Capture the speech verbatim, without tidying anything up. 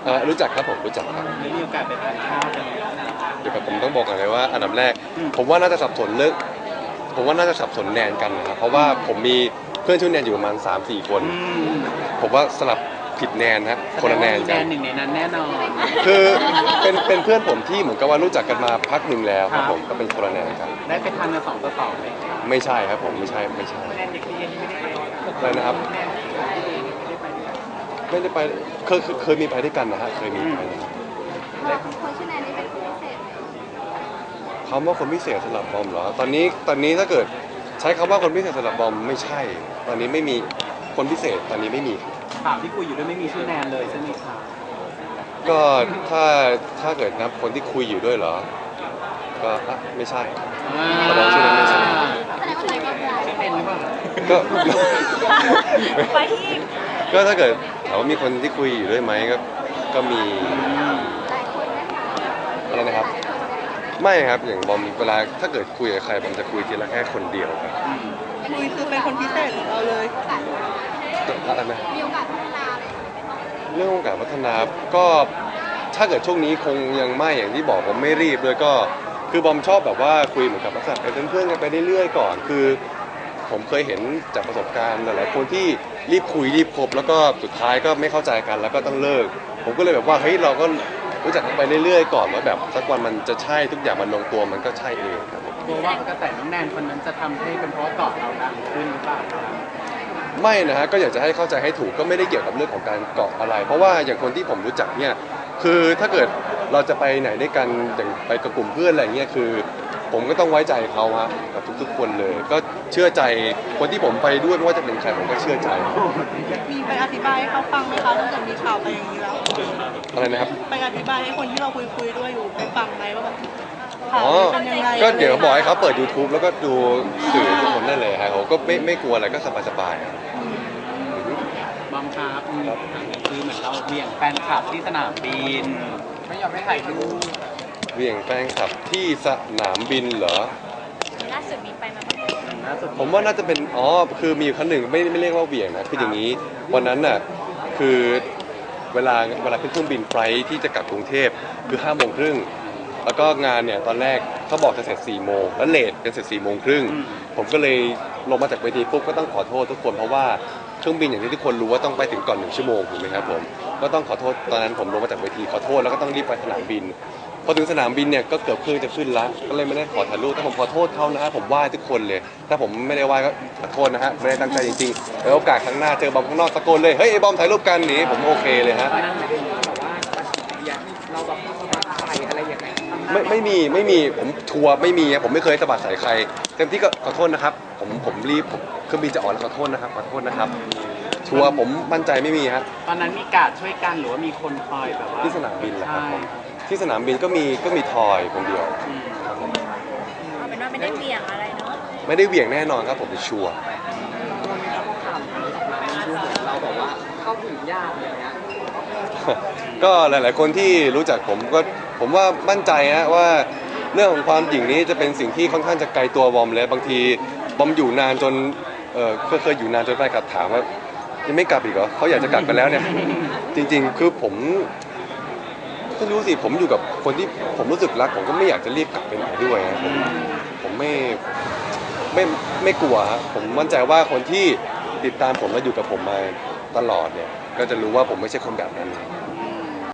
อ่ารู้จักครับผมรู้จักครับไม่มีโอกาสไปทานข้าวกันเดี๋ยวผมต้องบอกก่อนเลยว่าอันดับแรกผมว่าน่าจะสับสนเรื่องผมว่าน่าจะสับสนแนนกันนะครับเพราะว่าผมมีเพื่อนชื่อแนนอยู่ประมาณ สามสี่ คนผมว่าสลับผิดแนนฮะคนละแนนกันหนึ่งในนั้นแน่นอนคือเป็นเป็นเพื่อนผมที่เหมือนกับว่ารู้จักกันมาพักหนึ่งแล้วครับผมก็เป็นคนละแนนกันได้ไปทานกันสองต่อสองไหมไม่ใช่ครับผมไม่ใช่ไม่ใช่อะไรนะครับไม่ได้ไปเคยเคยมีไปด้วยกันนะฮะเคยมีไปคนชื่อแนนนี่เป็นคนพิเศษคำว่าคนพิเศษสำหรับบอมเหรอตอนนี้ตอนนี้ถ้าเกิดใช้คำว่าคนพิเศษสำหรับบอมไม่ใช่ตอนนี้ไม่มีคนพิเศษตอนนี้ไม่มีข่าวที่คุยอยู่ด้วยไม่มีชื่อแนนเลยใช่ไหมครับก็ถ้าถ้าเกิดนับคนที่คุยอยู่ด้วยเหรอก็ไม่ใช่แสดงชื่อนั้นไม่ใช่เป็นหรือเปล่าก็ไปอีกก็ถ้าเกิดถามว่ามีคนที่คุยอยู่ด้วยไหมก็ก็มีอะไรนะครับไม่ครับอย่างบอมเวลาถ้าเกิดคุยกับใครบอมจะคุยทีละแค่คนเดียวครับคุยคือเป็นคนพิเศษของเราเลยอะไรนะมีโอกาสพัฒนาเลยเรื่องโอกาสพัฒนาก็ถ้าเกิดช่วงนี้คงยังไม่อย่างที่บอกผมไม่รีบเลยก็คือบอมชอบแบบว่าคุยเหมือนกับลักษณะเป็นเพื่อนกันไปเรื่อยๆก่อนคือผมเคยเห็นจากประสบการณ์หลายๆคนที่รีบคุยรีบคบแล้วก็สุดท้ายก็ไม่เข้าใจกันแล้วก็ต้องเลิกผมก็เลยแบบว่าเฮ้ยเราก็รู้จักกันไปเรื่อยๆก่อนว่าแบบสักวันมันจะใช่ทุกอย่างมันลงตัวมันก็ใช่เองครับกลัวว่ากระแสน้องแนนคนนั้นจะทำให้เป็นเพราะเกาะเราดังขึ้นหรือเปล่าไม่นะฮะก็อยากจะให้เข้าใจให้ถูกก็ไม่ได้เกี่ยวกับเรื่องของการเกาะอะไรเพราะว่าอย่างคนที่ผมรู้จักเนี่ยคือถ้าเกิดเราจะไปไหนด้วยกันอย่างไปกับกลุ่มเพื่อนอะไรเงี้ยคือผมก็ต้องไว้ใจเขาฮะกับทุกๆคนเลยก็เชื่อใจคนที่ผมไปด้วยไม่ว่าจะเป็นใครผมก็เชื่อใจมีไปอธิบายให้เขาฟังไหมคะตั้งแต่มีข่าวไปอย่างนี้แล้วอะไรนะครับไปอธิบายให้คนที่เราคุยคุยด้วยอยู่ไปฟังไหมว่าแบบอ๋อก็เดี๋ยวบอกให้เขาเปิด ยูทูบ แล้วก็ดูสื่อทุกคนได้เลยครับเขาก็ไม่ไม่กลัวอะไรก็สบายๆบอมครับคือเหมือนเราเบี่ยงแฟนคลับที่สนามบินไม่ยอมให้ถ่ายรูปเบี่ยงแฟนคลับที่สนามบินเหรอล่าสุดมีไปมาบ้างผมว่าน่าจะเป็นอ๋อคือมีครั้งหนึ่งไม่ไม่เรียกว่าเบี่ยงนะคืออย่างนี้วันนั้นน่ะคือเวลาเวลาขึ้นเครื่องบินไฟล์ที่จะกลับกรุงเทพคือห้าโมงครึ่งแล้วก็งานเนี่ยตอนแรกเขาบอกจะเสร็จสี่โมงแล้วเลทเป็นเสร็จสี่โมงครึ่งผมก็เลยลงมาจากเวทีปุ๊บก็ต้องขอโทษทุกคนเพราะว่าเครื่องบินอย่างที่ทุกคนรู้ว่าต้องไปถึงก่อนหนึ่งชั่วโมงถูกไหมครับผมก็ต้องขอโทษตอนนั้นผมลงมาจากเวทีขอโทษแล้วก็ต้องรีบไปสนามบินพอถึงสนามบินเนี่ยก็เกือบเครื่องจะขึ้นแล้วก็เลยไม่ได้ขอถ่ายรูปแต่ผมขอโทษเขานะฮะผมไหว้ทุกคนเลยถ้าผมไม่ได้ไหว้ก็ขอโทษนะฮะไม่ได้ตั้งใจจริงๆแล้วโอกาสครั้งหน้าเจอบอมข้างนอกตะโกนเลยเฮ้ยไอ้บอมถ่ายรูปกันหนีผมโอเคเลยฮะเราแบบสบายอะไรอย่างเงี้ยไม่ไม่มีไม่มีผมชัวร์ไม่มีผมไม่เคยสะบัดใส่ใครเต็มที่ก็ขอโทษนะครับผมผมรีบเครื่องบินจะออกแล้วขอโทษนะครับขอโทษนะครับชัวร์ผมมั่นใจไม่มีฮะตอนนั้นมีการช่วยกันหรือว่ามีคนคอยแบบว่าที่สนามบินแหละครับผมที่สนามบินก็มีก็มีทอยคนเดียวครับผมเอาเป็นว่าไม่ได้เหวี่ยงอะไรเนาะไม่ได้เหวี่ยงแน่นอนครับผมชัวร์เราแบบว่าเข้าถึงยากเลยนะก็หลายๆคนที่รู้จักผมก็ผมว่ามั่นใจฮะว่าเรื่องของความหยิ่งนี้จะเป็นสิ่งที่ค่อนข้างจะไกลตัวบอมเลยบางทีบอมอยู่นานจนเออเคยอยู่นานจนไปกลับถามว่ายังไม่กลับอีกเหรอเขาอยากจะกลับกันแล้วเนี่ยจริงๆคือผมไม่รู้สิผมอยู่กับคนที่ผมรู้สึกรักผมก็ไม่อยากจะรีบกลับไปไหนด้วยนะผมผมไม่ไม่ไม่กลัวผมมั่นใจว่าคนที่ติดตามผมและอยู่กับผมมาตลอดเนี่ยก็จะรู้ว่าผมไม่ใช่คนแบบนั้น